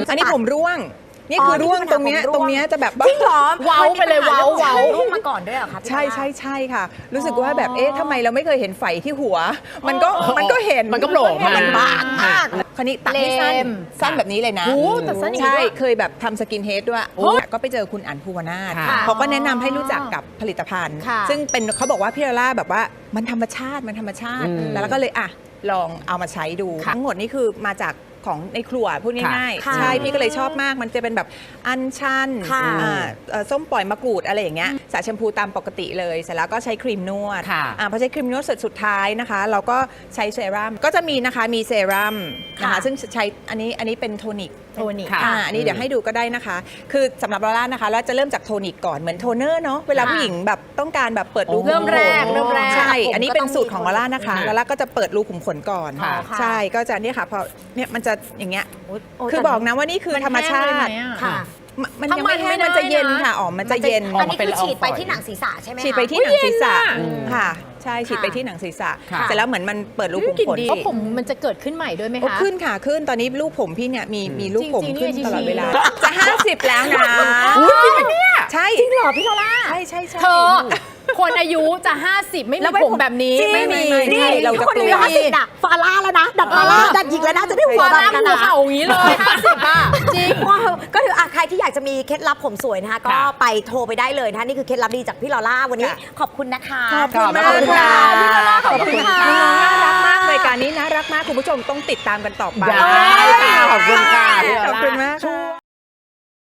อันนี้ผมร่วงนี่คือร่วงตรงเนี้ยจะแบบจริงเหรอเว้าไปเลยเว้าร่วงมาก่อนด้วยเหรอคะใช่ค่ะ รู้สึกว่าแบบทำไมเราไม่เคยเห็นไฝที่หัว มันก็เห็นมันก็โผล่มามันบางมากคราวนี้ตัดให้สั้นแบบนี้เลยนะแต่สั้นอย่างนี้ใช่ด้วยเคยแบบทำสกินเฮดด้วยก็ไปเจอคุณอั๋นภูวนาถค่ะเขาก็แนะนำให้รู้จักกับผลิตภัณฑ์ค่ะซึ่งเป็นเขาบอกว่าพี่ลาล่าแบบว่ามันธรรมชาติแล้วก็เลยลองเอามาใช้ดูทั้งหมดนี่คือมาจากของในครัวพูดง่ายๆใช่พี่ก็เลยชอบมากมันจะเป็นแบบอัญชันส้มปล่อยมะกรูดอะไรอย่างเงี้ยสระแชมพูตามปกติเลยเสร็จแล้วก็ใช้ครีมนวดพอใช้ครีมนวดสุดท้ายนะคะเราก็ใช้เซรั่มก็จะมีนะคะมีเซรั่มนะคะซึ่งใช้อันนี้เป็นโทนิกอันนี้เดี๋ยวให้ดูก็ได้นะคะคือสำหรับลาล่านะคะเราจะเริ่มจากโทนิกก่อนเหมือนโทนเนอร์เนาะเวลาผู้หญิงแบบต้องการแบบเปิดรูขุมขนเริ่มแรกใช่อันนี้เป็นสูตรของลาล่านะคะลาล่าก็จะเปิดรูขุมขนก่อนใช่ก็จะเนี่ยค่ะพอเนี่ยมันจะอย่างเงี้ยคือบอกนะว่านี่คือธรรมชาติมันยังไม่แห้งมันจะเย็นค่ะมันจะเย็นอันนี้คือฉีดไปที่หนังศีรษะใช่ไหมคะฉีดไปที่หนังศีรษะค่ะใช่ฉีดไปที่หนังศีรษะเสร็จแล้วเหมือนมันเปิดรูขุมขนเพราะผมมันจะเกิดขึ้นใหม่ด้วยไหมคะขึ้นค่ะขึ้นตอนนี้ลูกผมพี่เนี่ยมีลูกผมขึ้นตลอดเวลาจะ50แล้วนะจริงไหมเนี่ยใช่จริงเหรอพี่ลาล่าใช่เธอคนอายุจะ50ไม่มีผมแบบนี้ไม่มีนี่เราจะคนอายุ50อะฟาร่าแล้วนะดัดฟาร่าดัดหญิงแล้วนะจะได้หัวแบบนั้นนะเข่าอย่างนี้เลย50อ่ะจริงก็คือใครที่อยากจะมีเคล็ดลับผมสวยนะคะก็ไปโทรไปได้เลยนะคะนี่คือเคล็ดลับดีจากพี่ลาล่าวันนี้ขอบคุณนะคะขอบคุณมากค่ะพี่ลาล่าขอบคุณค่ะน้องน่ารักมากรายการนี้น่ารักมากคุณผู้ชมต้องติดตามกันต่อไปขอบคุณค่ะขอบคุณมาก